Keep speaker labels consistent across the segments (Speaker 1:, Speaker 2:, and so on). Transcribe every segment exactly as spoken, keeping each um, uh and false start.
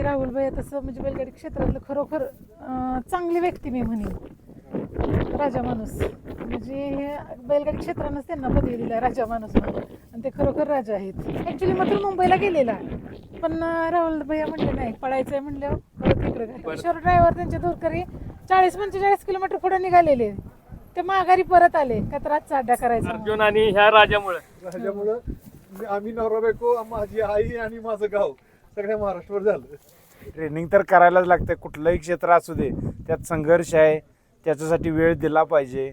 Speaker 1: राहुल भाई तसं म्हणजे बैलगाडी क्षेत्रातलं खरोखर चांगली व्यक्ती मी म्हणेन. राजा माणूस म्हणजे हे बैलगाडी क्षेत्रानंच त्यांना पदवी दिला राजा माणूस म्हणून, आणि ते खरोखर राजा आहेत. ऍक्च्युली मात्र मुंबईला गेलेला, पण राहुल भैया म्हणले नाही पळायचंय म्हणल्यावर परत इकडे किशोर ड्रायव्हर त्यांचे दूरकरी चाळीस पंचेचाळीस किलोमीटर पुढे निघालेले, ते माघारी परत आले का तर आजचा अड्डा करायचा
Speaker 2: अर्जुन आणि ह्या राजामुळे
Speaker 3: राजामुळं आम्ही नवरा बायको, माझी आई आणि माझं गाव सगळ्या महाराष्ट्रावर झालं.
Speaker 4: ट्रेनिंग तर करायलाच लागतं, कुठलंही क्षेत्र असू दे त्यात संघर्ष आहे, त्याच्यासाठी वेळ दिला पाहिजे.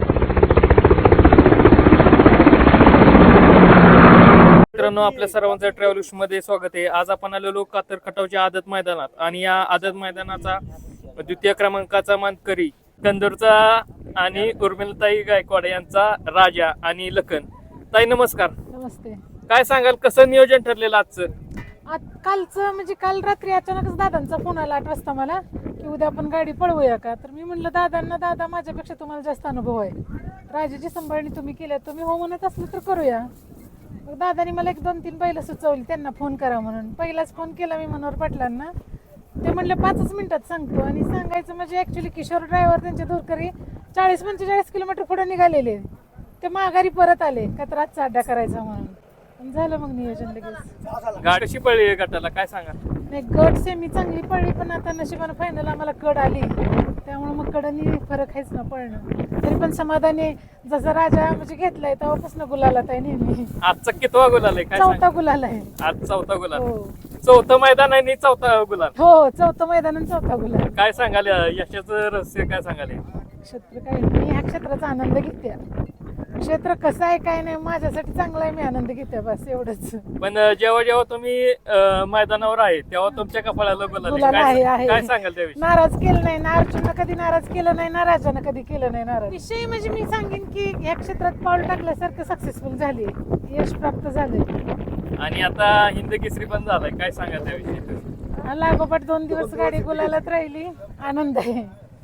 Speaker 2: मित्रांनो, आपल्या सर्वांचं ट्रॅव्हल्स मध्ये स्वागत आहे. आज आपण आलेलो कातर खटावच्या आदत मैदानात, आणि या आदत मैदानाचा द्वितीय क्रमांकाचा मानकरी कंदूरचा आणि उर्मिलाताई गायकवाड यांचा राजा आणि लखन. ताई नमस्कार.
Speaker 1: नमस्ते.
Speaker 2: काय सांगाल, कसं नियोजन ठरलेलं आजचं?
Speaker 1: आज कालचं म्हणजे काल रात्री अचानकच दादांचा फोन आला आठ वाजता मला की उद्या आपण गाडी पळवूया का. तर मी म्हणलं दादांना, दादा माझ्यापेक्षा तुम्हाला जास्त अनुभव आहे, राजाची सांभाळणी तुम्ही केल्या, तुम्ही हो म्हणत असलं तर करूया. मग दादानी मला एक दोन तीन बैल सुचवली, त्यांना फोन करा म्हणून. पहिलाच फोन केला मी मनोहर पाटलांना, ते म्हणले पाचच मिनिटात सांगतो. आणि सांगायचं म्हणजे ऍक्च्युली किशोर ड्रायव्हर त्यांच्या दूरकरी चाळीस पंचेचाळीस किलोमीटर पुढे निघालेले, ते माघारी परत आले का तर आजचा अड्डा करायचा म्हणून. झालं मग नियोजन लगेच.
Speaker 2: गाडी कशी पडली गटाला काय सांगा?
Speaker 1: नाही, गट सेमी चांगली पडली, पण आता नशिबानं फायनल आम्हाला कड आली, त्यामुळे मग कडनी फरक आहेच ना पडणं. तरी पण समाधानी, जसा राजा म्हणजे घेतलाय तेव्हापासून गुलाला आहे नेहमी.
Speaker 2: आजचा कितवा गुलाल आहे काय
Speaker 1: चौथा गुलाल आहे.
Speaker 2: आज चौथा गुलाल,
Speaker 1: हो
Speaker 2: चौथं मैदान आहे आणि चौथा गुलाल.
Speaker 1: हो, चौथं मैदान आणि चौथा गुलाल.
Speaker 2: काय सांगाल यशाचं रहस्य, काय सांगाल?
Speaker 1: क्षेत्र काय, मी ह्या क्षेत्राचा आनंद घेते. क्षेत्र कसं आहे काय नाही, माझ्यासाठी चांगलं आहे, मी आनंद घेते, बस एवढंच.
Speaker 2: पण जेव्हा जेव्हा तुम्ही अं, मैदानावर आहे तेव्हा तुमच्या कपाळाला गुलाल
Speaker 1: गुलाल
Speaker 2: आहे.
Speaker 1: आहे,
Speaker 2: काय
Speaker 1: आहे.
Speaker 2: काय सांगाल त्याविषयी?
Speaker 1: नाराज केलं नाही ना, अर्जुननं कधी नाराज केलं नाही ना, राजानं कधी केलं नाही नाराज. विषय म्हणजे मी सांगेन की या क्षेत्रात पाऊल टाकल्यासारखं सक्सेसफुल झाली, यश प्राप्त झाले.
Speaker 2: आणि आता हिंद केसरी पण झालाय, काय सांगाल त्याविषयी?
Speaker 1: लागोपाठ दोन दिवस गाडी गुलालात राहिली, आनंद आहे.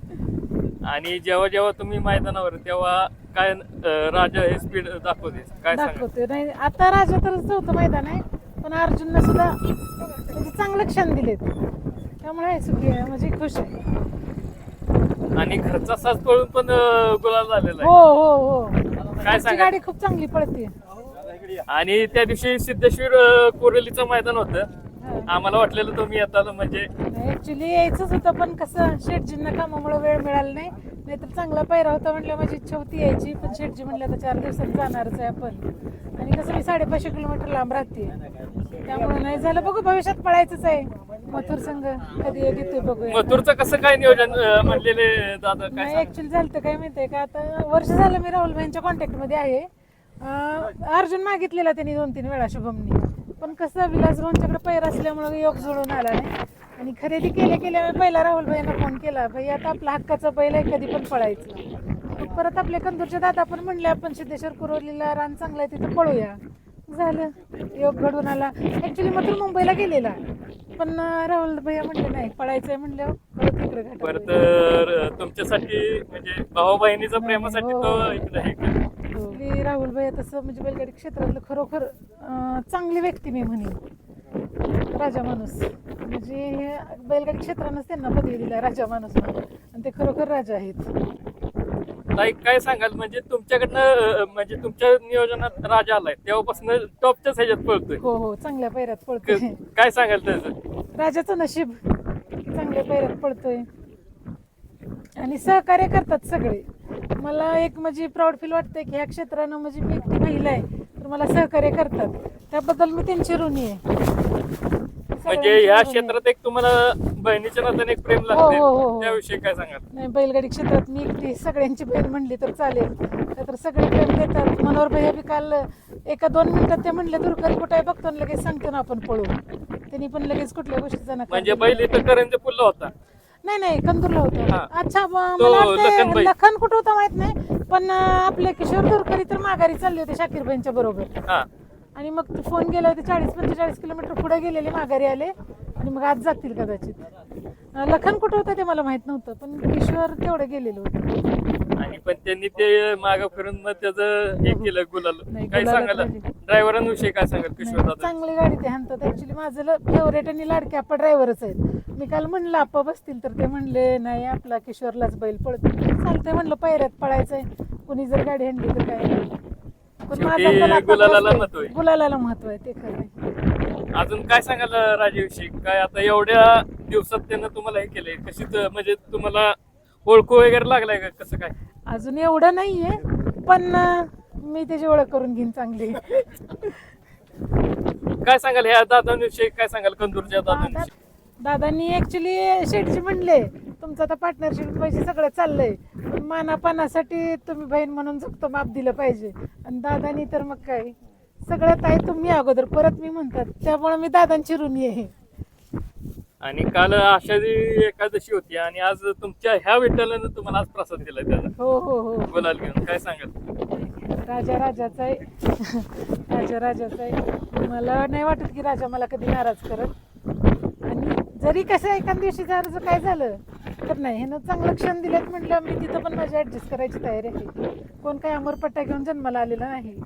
Speaker 2: आणि जेव्हा जेव्हा तुम्ही मैदानावर तेव्हा काय अं, राजा हे स्पीड दाखवते, काय सांगाल?
Speaker 1: दाखवते नाही. आता राजा तर चौथं मैदान आहे, पण अर्जुननं सुद्धा म्हणजे चांगलं क्षण दिलेत, त्यामुळे आहे सुखी आहे, म्हणजे खुश आहे.
Speaker 2: आणि घरचा साज पळून पण अं, गुलाल झालेला
Speaker 1: हो
Speaker 2: आहे,
Speaker 1: हो हो,
Speaker 2: काय
Speaker 1: आमची
Speaker 2: सांगाल?
Speaker 1: गाडी खूप चांगली पळते.
Speaker 2: आणि त्या दिवशी सिद्धेश्वर अं, कोरेलीचं मैदान होतं, आम्हाला वाटलेलं तुम्ही येताल म्हणजे.
Speaker 1: ऍक्च्युली यायचंच होतं, पण कसं शेटजींना कामामुळे वेळ मिळाला नाही, नाहीतर चांगला पायरा होता म्हटलं, माझी इच्छा होती यायची, पण शेटजी म्हणलं आता चार दिवसात जाणारच आहे आपण, आणि कसं मी साडेपाचशे किलोमीटर लांब राहते, त्यामुळे नाही झालं. बघू भविष्यात पळायचंच आहे मथुर संघ, कधी घेतोय बघूया.
Speaker 2: मथुरचं कसं काय नियोजन अं, म्हणलेले दादा, काय
Speaker 1: नाही,
Speaker 2: सांगाल?
Speaker 1: ऍक्च्युली झालं तर काय माहितीये का, आता वर्ष झालं मी राहुल भाईंच्या कॉन्टॅक्ट मध्ये आहे. अं, अर्जुन मागितलेला त्यांनी दोन तीन वेळा शुभमनी, पण कसं विलास भाऊंच्याकडे पैर असल्यामुळे योग जुळून आला नाही, आणि खरेदी केल्या केल्या पहिला राहुल भाईंना फोन केला, भाई आता आपला हक्काचा बैल आहे, कधी पण पळायचं. मग परत आपल्या कंदूरच्या दादा पण म्हणले आपण सिद्धेश्वर कुरोलीला रान चांगलं आहे तिथं पळूया. झालं, योग घडून आला. ऍक्च्युली मात्र मुंबईला गेलेला, पण राहुल भैया म्हणले नाही पळायचंय म्हणल्यावर परत इकडे
Speaker 2: परत अं, तुमच्यासाठी म्हणजे भाऊ बहिणीच्या प्रेमासाठी तो इकडे हे केलं.
Speaker 1: राहुल भैया तसं म्हणजे बैलगाडी क्षेत्रातलं खरोखर चांगली व्यक्ती मी म्हणेन. राजा माणूस म्हणजे हे बैलगाडी क्षेत्रानंच त्यांना पदवी दिला राजा माणूस म्हणून, आणि ते खरोखर राजा आहेत.
Speaker 2: ताई काय सांगाल, म्हणजे तुमच्याकडनं अं, म्हणजे तुमच्या नियोजनात राजा आलाय तेव्हापासून टॉपच्याच ह्याच्यात पळतोय,
Speaker 1: हो हो, चांगल्या पैऱ्यात पळतोय.
Speaker 2: काय सांगाल त्याचं?
Speaker 1: राजाचं नशीब चांगल्या पैऱ्यात पळतोय, आणि सहकार्य करतात सगळे. मला एक म्हणजे प्राऊड फील वाटतंय की ह्या क्षेत्रानं म्हणजे मी एकटी महिला आहे तर मला सहकार्य करतात, त्याबद्दल मी त्यांची ऋणी आहे.
Speaker 2: म्हणजे ह्या क्षेत्रात एक तुम्हाला बहिणीच्या नात्याने एक प्रेम
Speaker 1: हो,
Speaker 2: लागते,
Speaker 1: हो, हो.
Speaker 2: त्याविषयी काय सांगाल?
Speaker 1: नाही, बैलगाडी क्षेत्रात मी एकटी सगळ्यांची बहीण म्हणली तर चालेल, तर सगळे प्रेम देतात. मनोहर भैया बी काल एका दोन मिनिटात ते म्हणले दुरकरी कुठे आहे बघतो, लगेच सांगतो ना आपण पळू, त्यांनी पण लगेच कुठल्या गोष्टीचा नकार
Speaker 2: म्हणजे बैल इथं करंजे पुल्ला होता.
Speaker 1: नाही नाही, कंदूरला
Speaker 2: हा.
Speaker 1: होतं. अच्छा, ब-
Speaker 2: तो
Speaker 1: मला वाटतंय
Speaker 2: लखनबाई.
Speaker 1: लखन कुठं होता माहित नाही, पण अं, आपले किशोर दुरकरी तर माघारी चालले होते शाकीरबाईंच्या बरोबर,
Speaker 2: हा,
Speaker 1: आणि मग फोन गेला होते, चाळीस पंचेचाळीस किलोमीटर पुढे गेलेले माघारी आले, आणि मग आज जातील कदाचित. अं, लखन कुठं होतं ते मला माहित नव्हतं, पण किशोर तेवढे गेलेलो होते.
Speaker 2: आणि पण त्यांनी ते मागं फिरून मग त्याचं हे केलं गुलाल.
Speaker 1: नाही,
Speaker 2: काय
Speaker 1: गुलालात
Speaker 2: सांगाल
Speaker 1: राहिली.
Speaker 2: ड्रायव्हरांविषयी काय सांगाल किशोर
Speaker 1: नाही,
Speaker 2: दादा?
Speaker 1: चांगली गाडी ते हाणतात. ऍक्च्युली माझं फेवरेट आणि लाडके आपा ड्रायव्हरच आहेत. मी काल म्हणलं आपा बसतील तर ते म्हणले नाही आपला किशोरलाच बैल पळतो. चालतंय म्हणलं पायऱ्यात पळायचंय, कुणी जर गाडी हाणली तर काय नाही. पण
Speaker 2: शेवटी
Speaker 1: माझा कल आता
Speaker 2: गुलालाला
Speaker 1: बसतोय.
Speaker 2: महत्त्व आहे.
Speaker 1: गुलालाला महत्व आहे, ते खरं आहे.
Speaker 2: अजून काय सांगाल राजेविषयी? काय आता एवढ्या दिवसात त्यानं तुम्हाला हे केलंय, कशी त- म्हणजे तुम्हाला ओळखू वगैरे लागलाय का, कसं काय?
Speaker 1: अजून एवढं नाहीये, पण अं, मी त्याची ओळख करून घेईन चांगली.
Speaker 2: काय सांगाल ह्या दादांविषयी? काय सांगाल कंदूरच्या दादांविषयी?
Speaker 1: दादांनी ऍक्च्युली शेठजी म्हणले तुमचं आता पार्टनरशिप पैसे सगळं चाललंय, पण मानापानासाठी तुम्ही बहीण म्हणून झुकतो माप दिलं पाहिजे. आणि दादानी तर मग काय सगळ्यात आहे तुम्ही अगोदर, परत मी म्हणतात, त्यामुळे मी दादांची ऋणी आहे.
Speaker 2: आणि काल आषाढी एकादशी होती आणि आज तुमच्या ह्या विठ्ठलानं तुम्हाला आज प्रसाद दिलाय त्याचा
Speaker 1: हो हो हो.
Speaker 2: गुलाल घेऊन. काय सांगाल?
Speaker 1: राजा राजाचा आहे. राजा राजाचा आहे. मला नाही वाटत की राजा मला कधी नाराज करत. आणि जरी कसं एखाद दिवशी जर काय झालं तर नाही, ह्यानं चांगलं क्षण दिलेत म्हटलं मी तिथं पण माझी ऍडजस्ट करायची तयारी आहे. कोण काय अमरपट्टा घेऊन जन्माला आलेला नाही.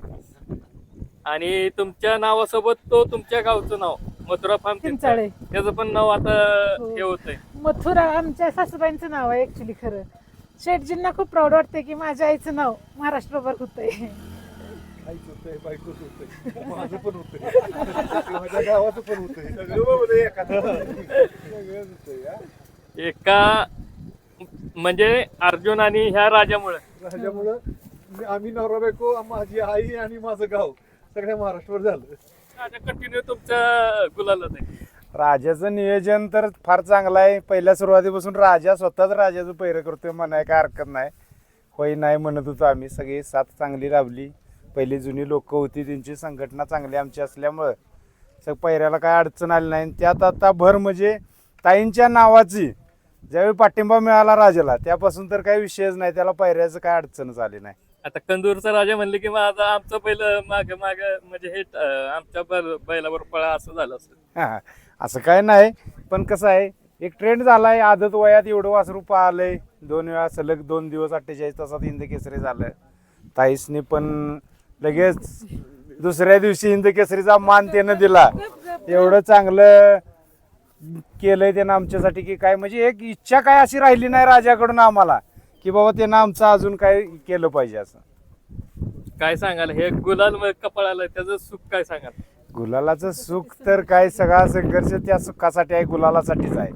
Speaker 2: आणि तुमच्या नावासोबत तो तुमच्या गावचं नाव मथुरा फार्म
Speaker 1: चिंचाळे.
Speaker 2: त्याचं पण नाव आता
Speaker 1: हो.
Speaker 2: हे होतंय.
Speaker 1: मथुरा आमच्या सासूबाईंचं नाव आहे ऍक्च्युली. खरं शेठजींना खूप प्राऊड वाटते की माझ्या आईचं नाव महाराष्ट्रभर होतंय.
Speaker 3: आईच होतंय, बायकोच होतंय, माझं पण होतंय, माझ्या गावाचं पण होतंय, सगळं होतंय एखादं. सगळंच होतंय हा.
Speaker 2: एका म्हणजे अर्जुन आणि ह्या राजामुळे
Speaker 3: राजामुळं मी- आम्ही नवरा बायको, माझी आई आणि माझं गाव सगळ्या महाराष्ट्रभर झालं.
Speaker 2: राजा कंटिन्यू तुमच्या गुलालात आहे.
Speaker 4: राजाचं नियोजन तर फार चांगलं आहे. पहिल्या सुरुवातीपासून राजा स्वतःच राजाचं पैरं करतोय म्हणाय काय हरकत नाही. होय नाही म्हणत होतो आम्ही. सगळी साथ चांगली राबली. पहिली जुनी लोक होती त्यांची संघटना चांगली आमची असल्यामुळं सग पैऱ्याला काय अडचण आली नाही. त्यात आता भर म्हणजे ताईंच्या नावाची ज्यावेळी पाठिंबा मिळाला राजाला त्यापासून तर काही विषयच नाही. त्याला पैऱ्याचं काय अडचणच आली नाही.
Speaker 2: आता कंदूरचा राजा म्हणले की माझा आमचं पहिलं माग माग म्हणजे हे अं, आमच्या बैल- बैलावर पळा असं झालं असेल.
Speaker 4: हा, असं काय नाही. पण कसं आहे एक ट्रेंड झालाय. आदत वयात एवढं वासरू पाहिलंय. दोन वेळा सलग दोन दिवस अठ्ठेचाळीस तासात हिंद केसरी झालं. ताईसनी पण लगेच दुसऱ्या दिवशी हिंद केसरीचा मान त्यानं दिला. एवढं चांगलं केलंय त्यानं आमच्यासाठी की काय म्हणजे एक इच्छा काय अशी राहिली नाही राजाकडून आम्हाला की बाबा त्यानं आमचं अजून काय केलं पाहिजे असं.
Speaker 2: काय सांगाल हे गुलाल म- कपाळाला त्याचं सुख काय सांगाल?
Speaker 4: गुलालाचं सुख तर काय सगळा संघर्ष त्या सुखासाठी आहे, गुलालासाठीच आहे.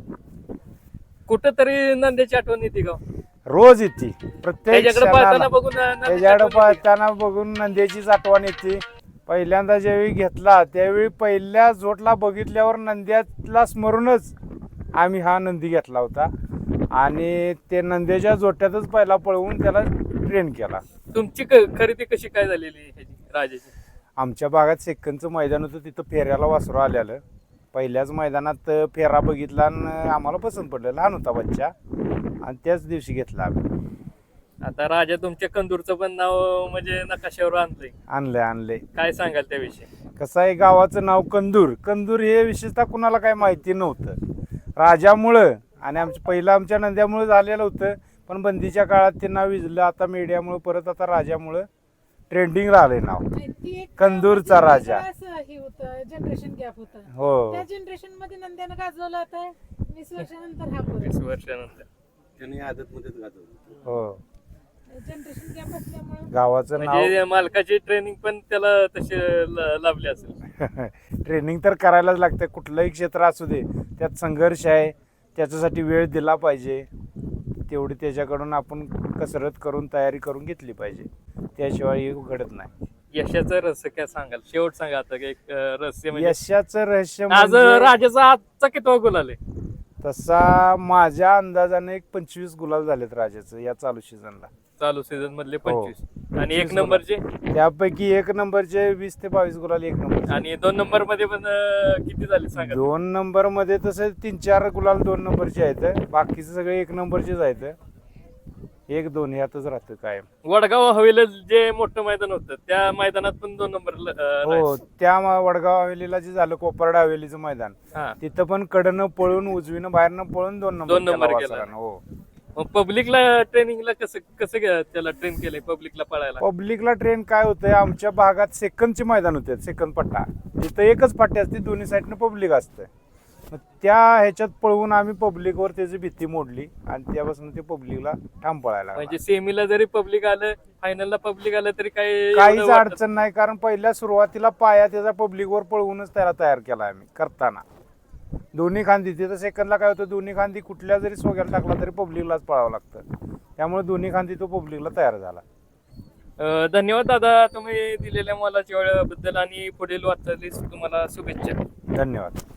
Speaker 2: कुठंतरी नंद्याची आठवण येते का?
Speaker 4: रोज येते प्रत्येक
Speaker 2: त्याच्याकडे पाहताना
Speaker 4: क्षणाला.
Speaker 2: बघून नंद्याची
Speaker 4: त्याच्याकडे
Speaker 2: आठवण येते.
Speaker 4: पाहताना बघून नंद्याचीच आठवण येते. पहिल्यांदा ज्यावेळी घेतला त्यावेळी पहिल्या जोटला बघितल्यावर नंद्याला स्मरूनच आम्ही हा नंदी घेतला होता आणि ते नंद्याच्या जोट्यातच पहिला पळवून त्याला ट्रेन केला.
Speaker 2: तुमची क- खरेदी कशी काय झालेली ह्याची राजाची?
Speaker 4: आमच्या भागात सेकंदचं मैदान होतं तिथं फेऱ्याला वासरू आलेलं. पहिल्याच मैदानात फेरा बघितला आणि आम्हाला पसंत पडलं. लहान होता बच्चा आणि त्याच दिवशी घेतला आम्ही.
Speaker 2: आता राजा तुमच्या कंदूरचं पण नाव म्हणजे नकाशावर आणलंय.
Speaker 4: आणलंय आणलंय
Speaker 2: काय सांगाल त्याविषयी?
Speaker 4: कसं आहे गावाचं नाव कंदूर. कंदूर हे विशेषतः कुणाला काही माहिती नव्हतं. राजामुळं आणि आमच्या पहिलं आमच्या नंद्यामुळं झालेलं होतं. पण बंदीच्या काळात ते नाव विजलं. आता मीडियामुळं परत आता राजामुळं ट्रेंडिंग राहिलंय नाव.
Speaker 1: ती एक
Speaker 4: कंदूरचा राजा.
Speaker 1: असं हे होतं, जनरेशन गॅप होता.
Speaker 4: हो
Speaker 1: त्या जनरेशन मध्ये नंद्यानं गाजवलं आता वीस वर्षानंतर हा
Speaker 2: वीस
Speaker 1: पोर.
Speaker 2: वर्षानंतर
Speaker 5: त्यांनी आदतमध्येच गाजवलं.
Speaker 4: हो
Speaker 1: जनरेशन गॅप असल्यामुळे
Speaker 4: गावाचं नाव
Speaker 2: म्हणजे मालकाची ट्रेनिंग पण त्याला तशी ल- लाभली असेल.
Speaker 4: ट्रेनिंग तर करायलाच लागतं. कुठलंही क्षेत्र असू दे त्यात संघर्ष आहे. त्याच्यासाठी वेळ दिला पाहिजे. तेवढी त्याच्याकडून आपण कसरत करून तयारी करून घेतली पाहिजे. त्याशिवाय हे घडत नाही.
Speaker 2: यशाचं रहस्य काय सांगाल? शेवट सांगा आता एक अं, रहस्य म्हणजे
Speaker 4: यशाचं रहस्य
Speaker 2: आज
Speaker 4: म्हणजे
Speaker 2: राजाचा आजचा कितवा गुलाल आहे?
Speaker 4: तसा माझ्या अंदाजाने एक पंचवीस गुलाल झालेत राजाचं या चालू सीझनला.
Speaker 2: चालू सीझन मधले
Speaker 4: हो.
Speaker 2: पंचवीस आणि एक
Speaker 4: पंचवीस
Speaker 2: नंबरचे
Speaker 4: त्यापैकी एक नंबरचे वीस ते बावीस गुलाल एक नंबर.
Speaker 2: आणि दोन नंबर मध्ये पण अं, किती झाले सांगा?
Speaker 4: दोन नंबर मध्ये तसे तीन चार गुलाल दोन नंबरचे आहेत. बाकीचे सगळे एक नंबरचेच आहेत. एक दोन ह्यातच राहतं कायम.
Speaker 2: वडगाव हवेला जे मोठं मैदान होतं त्या मैदानात पण दोन नंबर
Speaker 4: हो त्या म- वडगाव हवेलीला जे झालं कोपर्डा हवेलीचं मैदान
Speaker 2: हा
Speaker 4: तिथं पण कडनं पळून उजवीनं बाहेरनं पळून दोन नंबर
Speaker 2: दोन नंबर
Speaker 4: केला
Speaker 2: केला.
Speaker 4: वासरानं. हो
Speaker 2: मग पब्लिकला ट्रेनिंगला कसं कसं ग- त्याला ट्रेन केलंय पब्लिकला पळायला?
Speaker 4: पब्लिकला ट्रेन काय होतंय, आमच्या भागात सेकंदचे मैदान होते, सेकंद पट्टा तिथं एकच पट्टी असते, दोन्ही साईडनं पब्लिक असतं. मग त्या ह्याच्यात पळवून आम्ही पब्लिकवर त्याची भीती मोडली आणि त्यापासून ते पब्लिकला ठाम पळायला लागला.
Speaker 2: म्हणजे सेमीला जरी पब्लिक आलं फायनलला पब्लिक आलं तरी काही
Speaker 4: काहीच
Speaker 2: एवढं वाटत
Speaker 4: अडचण नाही, कारण पहिल्या सुरुवातीला पाया त्याचा पब्लिकवर पळवूनच त्याला तयार केला आम्ही करताना. दोन्ही खांदी तिथं सेकंदला काय होतं, दोन्ही खांदी कुठल्या जरी सोग्याला टाकला तरी पब्लिकलाच पळावं लागतं, त्यामुळे दोन्ही खांदी तो पब्लिकला तयार झाला.
Speaker 2: अं, धन्यवाद दादा तुम्ही दिलेल्या मोलाच्या वेळेबद्दल आणि पुढील वाटचालीस तुम्हाला शुभेच्छा.
Speaker 4: धन्यवाद.